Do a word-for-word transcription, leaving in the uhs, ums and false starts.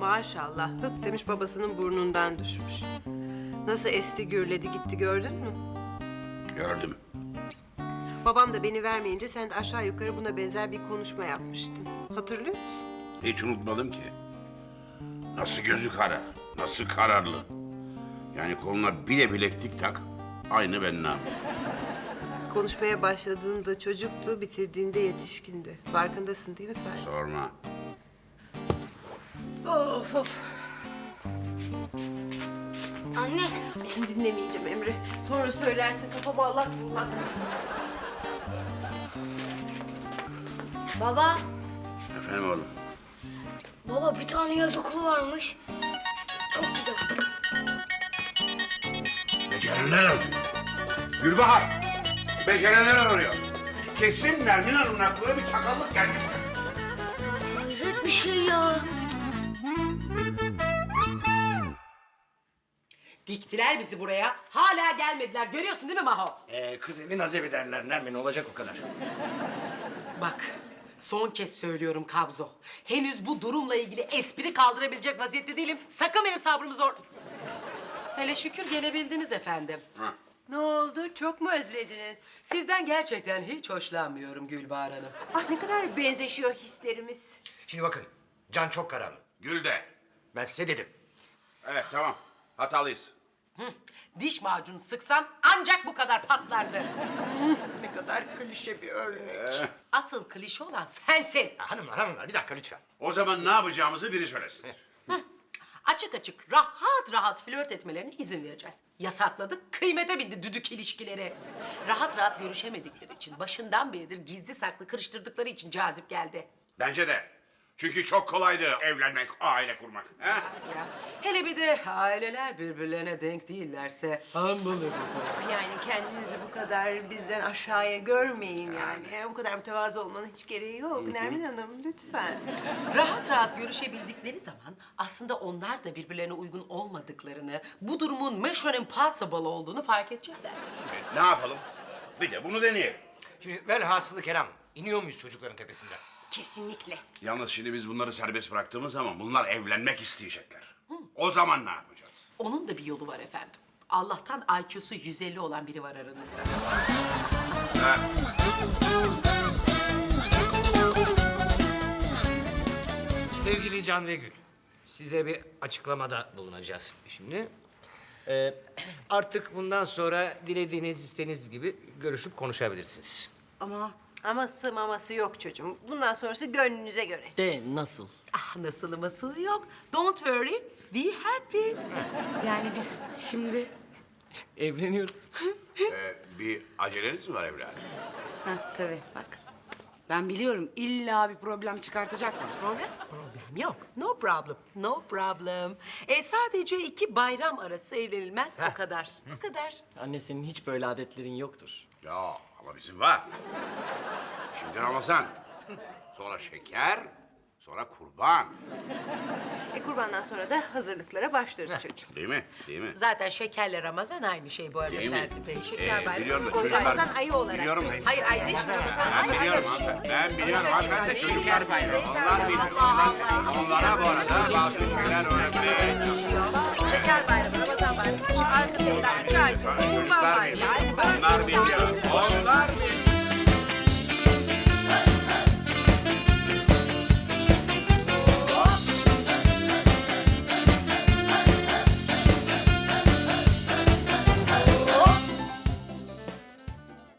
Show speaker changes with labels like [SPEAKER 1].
[SPEAKER 1] Maşallah hık demiş babasının burnundan düşmüş. Nasıl esti gürledi gitti gördün mü?
[SPEAKER 2] Gördüm.
[SPEAKER 1] Babam da beni vermeyince sen de aşağı yukarı buna benzer bir konuşma yapmıştın. Hatırlıyor musun?
[SPEAKER 2] Hiç unutmadım ki. Nasıl gözü kara, nasıl kararlı. Yani koluna bile bileklik tak, aynı ben ne yapayım?
[SPEAKER 1] Konuşmaya başladığında çocuktu, bitirdiğinde yetişkindi. Farkındasın değil mi Ferdi?
[SPEAKER 2] Sorma.
[SPEAKER 1] Of of.
[SPEAKER 3] Anne,
[SPEAKER 1] Şimdi dinlemeyeceğim Emre. Sonra söylersin kafam allak bullak.
[SPEAKER 3] baba.
[SPEAKER 2] Efendim oğlum.
[SPEAKER 3] Baba bir tane yaz okulu varmış. Çok güzel.
[SPEAKER 2] Becerenler arıyor. Gülbahar, becerenler arıyor. Kesin Nermin Hanım'ın aklına bir çakallık gelmiş.
[SPEAKER 3] Hayret bir şey ya.
[SPEAKER 4] Diktiler bizi buraya. Hala gelmediler. Görüyorsun değil mi Maho?
[SPEAKER 5] Ee, kız evi naz evi derler Nermin, olacak o kadar.
[SPEAKER 4] Bak, son kez söylüyorum Kabzo. Henüz bu durumla ilgili espri kaldırabilecek vaziyette değilim. Sakın benim sabrımı zor... Hele şükür gelebildiniz efendim.
[SPEAKER 1] Ne oldu? Çok mu özlediniz?
[SPEAKER 4] Sizden gerçekten hiç hoşlanmıyorum Gülbahar Hanım.
[SPEAKER 1] Ah ne kadar benzeşiyor hislerimiz.
[SPEAKER 5] Şimdi bakın, Can çok kararlı.
[SPEAKER 2] Gül de.
[SPEAKER 5] Ben size dedim.
[SPEAKER 2] Evet tamam, hatalıyız.
[SPEAKER 4] Diş macunu sıksan ancak bu kadar patlardı.
[SPEAKER 1] Ne kadar klişe bir örnek.
[SPEAKER 4] Asıl klişe olan sensin.
[SPEAKER 5] Ya hanımlar, hanımlar bir dakika lütfen.
[SPEAKER 2] O zaman ne yapacağımızı biri söylesin.
[SPEAKER 4] Açık açık rahat rahat flört etmelerine izin vereceğiz. Yasakladık, kıymete bindi düdük ilişkileri. Rahat rahat görüşemedikleri için, başından beridir gizli saklı kırıştırdıkları için cazip geldi.
[SPEAKER 2] Bence de. Çünkü çok kolaydı evlenmek, aile kurmak. He?
[SPEAKER 4] Ya, hele bir de aileler birbirlerine denk değillerse hambalı.
[SPEAKER 1] Yani kendinizi bu kadar bizden aşağıya görmeyin yani. Bu kadar mütevazı olmanın hiç gereği yok. Nermin Hanım lütfen.
[SPEAKER 4] Rahat rahat görüşebildikleri zaman aslında onlar da birbirlerine uygun olmadıklarını, bu durumun mission impossible olduğunu fark edecekler.
[SPEAKER 2] Ne yapalım? Bir de bunu deneyelim.
[SPEAKER 5] Şimdi velhasılı kelam, iniyor muyuz çocukların tepesinden?
[SPEAKER 1] Kesinlikle.
[SPEAKER 2] Yalnız şimdi biz bunları serbest bıraktığımız zaman bunlar evlenmek isteyecekler. O zaman ne yapacağız?
[SPEAKER 4] Onun da bir yolu var efendim. Allah'tan I Q'su yüz elli olan biri var aranızda.
[SPEAKER 2] Ha?
[SPEAKER 5] Sevgili Can ve Gül, size bir açıklamada bulunacağız şimdi. Ee, artık bundan sonra dilediğiniz, istediğiniz gibi görüşüp konuşabilirsiniz.
[SPEAKER 1] Ama aması maması yok çocuğum. Bundan sonrası gönlünüze göre.
[SPEAKER 6] De nasıl?
[SPEAKER 4] Ah nasıl masıl yok. Don't worry, be happy.
[SPEAKER 6] Yani biz şimdi evleniyoruz.
[SPEAKER 2] Ee, bir aceleniz mi var evladım?
[SPEAKER 6] Ha, tabii bak. Ben biliyorum illa bir problem çıkartacaklar.
[SPEAKER 4] Problem? Problem yok. No problem. No problem. E, sadece iki bayram arası evlenilmez o kadar. O kadar.
[SPEAKER 6] Anne senin hiç böyle adetlerin yoktur.
[SPEAKER 2] Ya ama bizim var. Şimdi Ramazan, sonra şeker, sonra kurban.
[SPEAKER 1] E kurbandan sonra da hazırlıklara başlarız çocuğum.
[SPEAKER 2] Değil mi? Değil mi?
[SPEAKER 4] Zaten şekerle Ramazan aynı şey bu arada
[SPEAKER 2] Değil mi?
[SPEAKER 4] Ferdi Bey. Şeker
[SPEAKER 2] Ee,
[SPEAKER 4] bayramı.
[SPEAKER 2] biliyorum da
[SPEAKER 4] kurban
[SPEAKER 2] çocuklar-
[SPEAKER 4] bayramı.
[SPEAKER 1] Ramazan ayı olarak.
[SPEAKER 2] Biliyorum.
[SPEAKER 4] Hayır ay değil.
[SPEAKER 2] Ben biliyorum hanımefendi. Ben biliyorum hanımefendi. Çocuklar bayramı. Onlar bilir. Onlar, onlara bu arada bazı şeyler öğretmeye çalışıyorum.
[SPEAKER 4] Şeker bayramı, Ramazan bayramı. Şu arka sesler, üç ay sonra kurban
[SPEAKER 2] Çocuklar
[SPEAKER 4] bayramı.
[SPEAKER 2] biliyor. Onlar biliyor. Onlar biliyor.